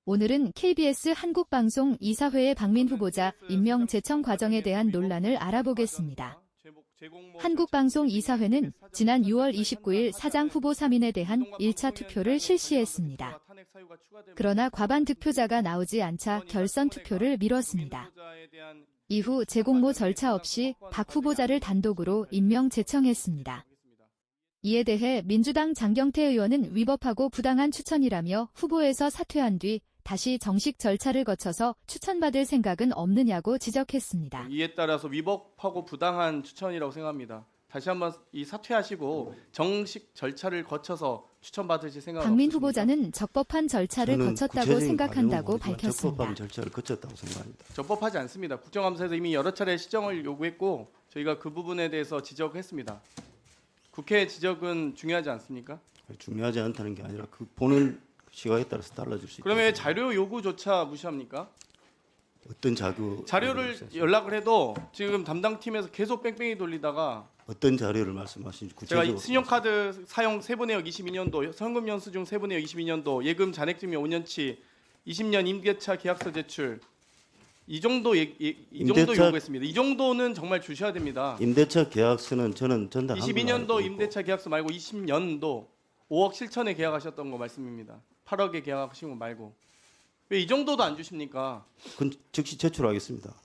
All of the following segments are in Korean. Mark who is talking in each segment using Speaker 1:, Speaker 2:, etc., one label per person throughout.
Speaker 1: 오늘은 KBS 한국방송 이사회의 박민 후보자 임명 제청 과정에 대한 논란을 알아보겠습니다. 한국방송 이사회는 지난 6월 29일 사장 후보 3인에 대한 1차 투표를 실시했습니다. 그러나 과반 득표자가 나오지 않자 결선 투표를 미뤘습니다. 이후 재공모 절차 없이 박 후보자를 단독으로 임명 제청했습니다. 이에 대해 민주당 장경태 의원은 위법하고 부당한 추천이라며 후보에서 사퇴한 뒤 다시 정식 절차를 거쳐서 추천받을 생각은 없느냐고 지적했습니다.
Speaker 2: 이에 따라서 위법하고 부당한 추천이라고 생각합니다. 다시 한번 이 사퇴하시고 정식 절차를 거쳐서 추천받으실 생각은
Speaker 1: 박민
Speaker 2: 없으십니까?
Speaker 1: 후보자는 적법한 절차를 거쳤다고 생각한다고 밝혔습니다.
Speaker 3: 적법한 절차를 거쳤다고 생각합니다.
Speaker 2: 적법하지 않습니다. 국정감사에서 이미 여러 차례 시정을 요구했고 저희가 그 부분에 대해서 지적했습니다. 국회 지적은 중요하지 않습니까?
Speaker 3: 중요하지 않다는 게 아니라 그 보는 시각에 따라서 달라질 수 있다.
Speaker 2: 그러면 왜 자료 요구조차 무시합니까?
Speaker 3: 어떤
Speaker 2: 자료를 연락을 해도 지금 담당팀에서 계속 뺑뺑이 돌리다가
Speaker 3: 어떤 자료를 말씀하시는지
Speaker 2: 제가
Speaker 3: 구체적으로
Speaker 2: 신용카드 사용 세부내역 22년도, 현금 연수 중 세부내역 22년도, 예금 잔액증명 5년치, 20년 임대차 계약서 제출 이 정도 요구했습니다. 이 정도는 정말 주셔야 됩니다.
Speaker 3: 임대차 계약서는 저는 전달한 거
Speaker 2: 22년도 임대차 계약서 말고 20년도 5억 7천에 계약하셨던 거 말씀입니다. 8억에 계약하신 거 말고 왜 이 정도도 안 주십니까?
Speaker 3: 그건 즉시 제출하겠습니다.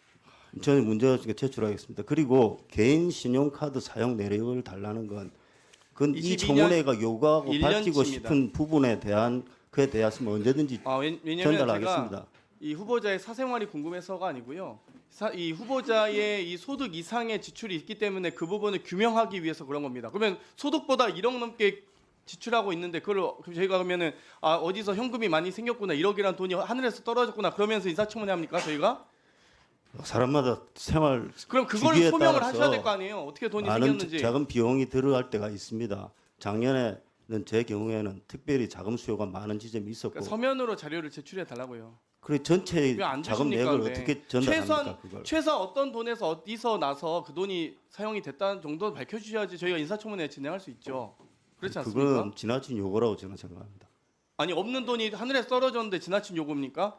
Speaker 3: 저는 문제가 없으니까 제출하겠습니다. 그리고 개인 신용카드 사용 내역을 달라는 건 그건 이
Speaker 2: 22년
Speaker 3: 청문회가 요구하고
Speaker 2: 1년치입니다.
Speaker 3: 밝히고 싶은 부분에 대한 그에 대해서는 언제든지
Speaker 2: 왜냐면
Speaker 3: 전달하겠습니다.
Speaker 2: 제가 이 후보자의 사생활이 궁금해서가 아니고요. 이 후보자의 이 소득 이상의 지출이 있기 때문에 그 부분을 규명하기 위해서 그런 겁니다. 그러면 소득보다 1억 넘게 지출하고 있는데 그걸 저희가 그러면은 어디서 현금이 많이 생겼구나 1억이라는 돈이 하늘에서 떨어졌구나 그러면서 인사청문회 합니까 저희가?
Speaker 3: 사람마다 생활
Speaker 2: 그럼 그거를
Speaker 3: 주기에
Speaker 2: 소명을
Speaker 3: 따라서
Speaker 2: 하셔야 될 거 아니에요. 어떻게 돈이
Speaker 3: 많은
Speaker 2: 생겼는지.
Speaker 3: 작은 비용이 들어갈 때가 있습니다. 작년에는 제 경우에는 특별히 자금 수요가 많은 지점이 있었고
Speaker 2: 그러니까 서면으로 자료를 제출해 달라고요.
Speaker 3: 그래 전체
Speaker 2: 왜 안
Speaker 3: 자금
Speaker 2: 주십니까?
Speaker 3: 내역을
Speaker 2: 왜?
Speaker 3: 어떻게 전달합니까? 그걸
Speaker 2: 최소한 어떤 돈에서 어디서 나서 그 돈이 사용이 됐다는 정도 밝혀주셔야지 저희가 인사청문회 진행할 수 있죠. 그렇지 않습니까?
Speaker 3: 그건 지나친 요구라고 저는 생각합니다.
Speaker 2: 아니 없는 돈이 하늘에 떨어졌는데 지나친 요구입니까?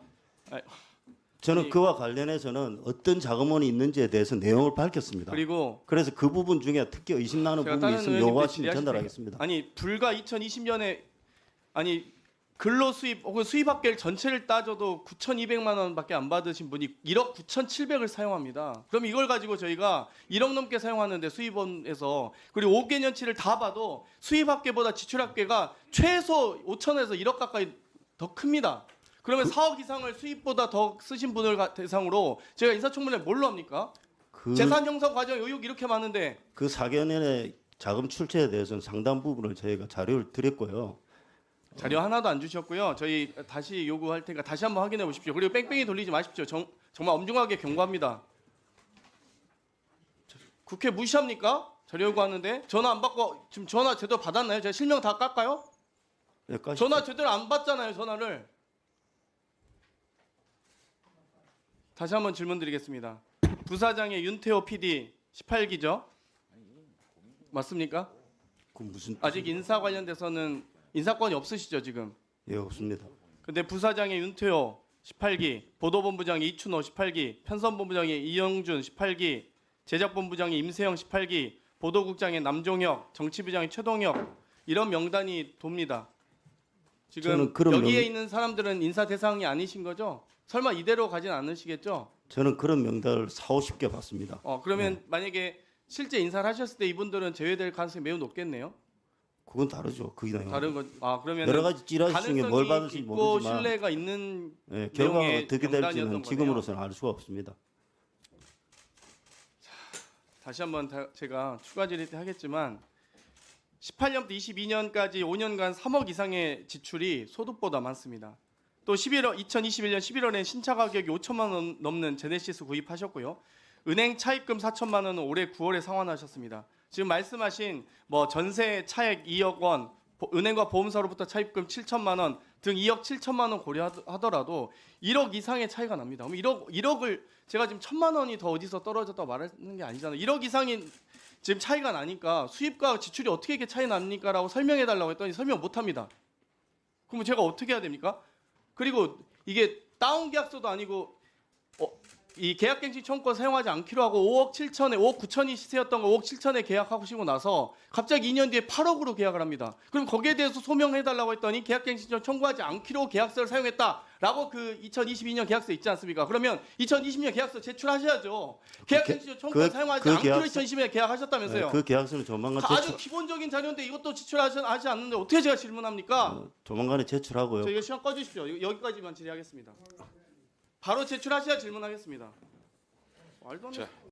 Speaker 3: 저는
Speaker 2: 아니,
Speaker 3: 그와 관련해서는 어떤 자금원이 있는지에 대해서 내용을 밝혔습니다.
Speaker 2: 그리고
Speaker 3: 그래서 그 부분 중에 특히 의심 나는
Speaker 2: 제가
Speaker 3: 부분이
Speaker 2: 다른
Speaker 3: 있으면
Speaker 2: 의원님들
Speaker 3: 요구하시면
Speaker 2: 질의하실
Speaker 3: 전달하겠습니다.
Speaker 2: 아니 불과 2020년에 아니 근로 수입 혹은 수입합계를 전체를 따져도 9,200만 원밖에 안 받으신 분이 1억 9,700을 사용합니다. 그럼 이걸 가지고 저희가 1억 넘게 사용하는데 수입원에서 그리고 5개년치를 다 봐도 수입합계보다 지출합계가 최소 5천에서 1억 가까이 더 큽니다. 그러면 4억 이상을 수입보다 더 쓰신 분을 대상으로 제가 인사청문회 뭘로 합니까? 재산 형성 과정 의혹 이렇게 많은데
Speaker 3: 그 4개년의 자금 출처에 대해서는 상당 부분을 저희가 자료를 드렸고요.
Speaker 2: 자료 하나도 안 주셨고요. 저희 다시 요구할 테니까 다시 한번 확인해 보십시오. 그리고 뺑뺑이 돌리지 마십시오. 정말 엄중하게 경고합니다. 국회 무시합니까? 자료 요구하는데 전화 안 받고 지금 전화 제대로 받았나요? 제가 실명 다 깎아요?
Speaker 3: 네,
Speaker 2: 전화 제대로 안 받잖아요. 전화를. 다시 한번 질문 드리겠습니다. 부사장의 윤태호 PD 18기죠? 맞습니까?
Speaker 3: 그 무슨
Speaker 2: 아직 인사 관련돼서는 인사권이 없으시죠 지금?
Speaker 3: 예, 없습니다.
Speaker 2: 근데 부사장의 윤태호 18기, 보도본부장의 이춘호 18기, 편선본부장의 이영준 18기, 제작본부장의 임세영 18기, 보도국장의 남종혁, 정치부장의 최동혁 이런 명단이 돕니다. 지금 여기에 있는 사람들은 인사 대상이 아니신 거죠? 설마 이대로 가진 않으시겠죠?
Speaker 3: 저는 그런 명단을 40-50개 봤습니다.
Speaker 2: 그러면 만약에 실제 인사를 하셨을 때 이분들은 제외될 가능성이 매우 높겠네요.
Speaker 3: 그건 다르죠. 그 내용.
Speaker 2: 다른 것. 그러면
Speaker 3: 여러 가지 찌라시 중에 뭘 받을지 모르지만
Speaker 2: 신뢰가 있는
Speaker 3: 예, 결과가
Speaker 2: 내용의
Speaker 3: 어떻게
Speaker 2: 명단이었던
Speaker 3: 될지는 지금으로서는 알 수가 없습니다.
Speaker 2: 다시 한번 제가 추가 질의 때 하겠지만 18년부터 22년까지 5년간 3억 이상의 지출이 소득보다 많습니다. 또 2021년 11월엔 신차 가격이 5천만 원 넘는 제네시스 구입하셨고요. 은행 차입금 4천만 원은 올해 9월에 상환하셨습니다. 지금 말씀하신 전세 차액 2억 원, 은행과 보험사로부터 차입금 7천만 원 등 2억 7천만 원 고려하더라도 1억 이상의 차이가 납니다. 그럼 1억을 제가 지금 1천만 원이 더 어디서 떨어졌다고 말하는 게 아니잖아요. 1억 이상이 지금 차이가 나니까 수입과 지출이 어떻게 이렇게 차이 납니까? 라고 설명해 달라고 했더니 설명 못 합니다. 그럼 제가 어떻게 해야 됩니까? 그리고 이게 다운 계약서도 아니고 이 계약갱신 청구권 사용하지 않기로 하고 5억 9천이 시세였던 거 5억 7천에 계약하시고 나서 갑자기 2년 뒤에 8억으로 계약을 합니다. 그럼 거기에 대해서 소명해달라고 했더니 계약갱신 청구하지 않기로 계약서를 사용했다라고 그 2022년 계약서 있지 않습니까? 그러면 2020년 계약서 제출하셔야죠. 계약갱신 청구권 사용하지 않기로 2020년에 계약하셨다면서요.
Speaker 3: 그 계약서는 조만간
Speaker 2: 아주 기본적인 자료인데 이것도 제출하지 않는데 어떻게 제가 질문합니까?
Speaker 3: 조만간에 제출하고요.
Speaker 2: 저 이거 시간 꺼주십시오. 여기까지만 질의하겠습니다. 바로 제출하셔야 질문하겠습니다. 말도 안 돼.